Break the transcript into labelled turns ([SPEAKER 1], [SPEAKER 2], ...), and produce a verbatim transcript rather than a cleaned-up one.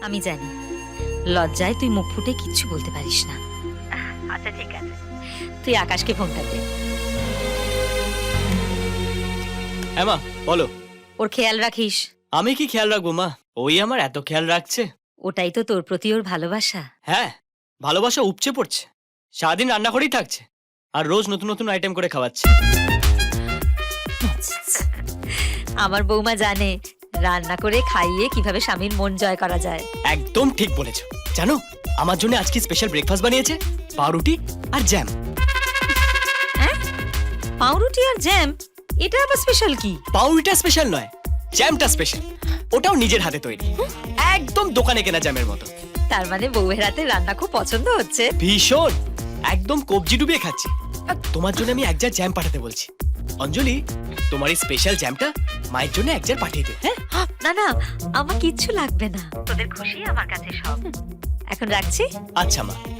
[SPEAKER 1] আমি জানি লজ্জায় তুই মুখ ফুটে কিচ্ছু বলতে পারিস না। আচ্ছা ঠিক আছে, তুই আকাশকে ফোনটা দে।
[SPEAKER 2] হ্যাঁ মা বলো।
[SPEAKER 1] ওর খেয়াল রাখিস।
[SPEAKER 2] আমি কি খেয়াল রাখবো মা, ওই আমার এত খেয়াল রাখছে।
[SPEAKER 1] ওটাই তো তোর প্রতি ওর ভালোবাসা।
[SPEAKER 2] হ্যাঁ, ভালোবাসা উপচে পড়ছে, সারাদিন রান্না করেই থাকছে আর রোজ নতুন নতুন আইটেম করে খাওয়াচ্ছে।
[SPEAKER 1] আমার বৌমা জানে রান্না করে খাইয়ে কিভাবে স্বামীর মন জয় করা যায়।
[SPEAKER 2] একদম ঠিক বলেছো। জানো আমার জন্য আজকে স্পেশাল ব্রেকফাস্ট বানিয়েছে, পাউরুটি আর জ্যাম।
[SPEAKER 1] পাউরুটি আর জ্যাম? এটা আবার স্পেশাল কি?
[SPEAKER 2] পাউরুটিটা স্পেশাল নয়, জ্যামটা স্পেশাল। ওটাও নিজের হাতে তৈরি, একদম দোকানে কেনা জ্যামের মতো।
[SPEAKER 1] তার মানে বউয়ের হাতে রান্না খুব পছন্দ হচ্ছে।
[SPEAKER 2] ভীষণ, একদম কবজি ডুবিয়ে খাচ্ছি। আর তোমার জন্য আমি এক জার জ্যাম পাঠাতে বলছি। অঞ্জলি, তোমার এই স্পেশাল জ্যামটা মায়ের জন্য এক জার পাঠিয়ে দিও। হ্যাঁ
[SPEAKER 1] না না, আমার কিচ্ছু লাগবে না, তোদের খুশি আমার কাছে সব। এখন রাখছি।
[SPEAKER 2] আচ্ছা মা।